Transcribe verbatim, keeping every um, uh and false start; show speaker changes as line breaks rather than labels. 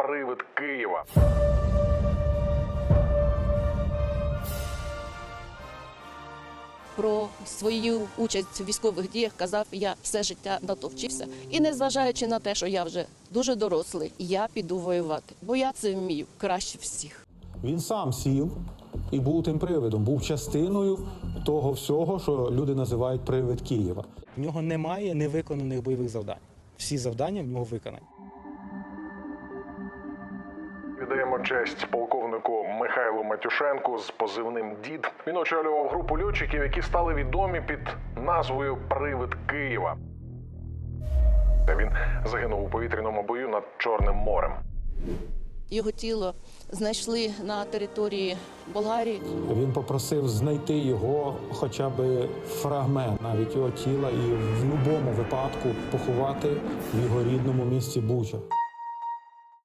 привид Києва.
Про свою участь у військових діях казав: я все життя натовчився. І незважаючи на те, що я вже дуже дорослий, я піду воювати, бо я це вмію краще всіх.
Він сам сів і був тим привидом, був частиною того всього, що люди називають привид Києва.
В нього немає невиконаних бойових завдань. Всі завдання в нього виконані.
Віддаємо честь полковнику Михайлу Матюшенку з позивним «Дід». Він очолював групу льотчиків, які стали відомі під назвою «Привид Києва». Він загинув у повітряному бою над Чорним морем.
Його тіло знайшли на території Болгарії.
Він попросив знайти його хоча б фрагмент, навіть його тіла, і в будь-якому випадку поховати в його рідному місті Буча.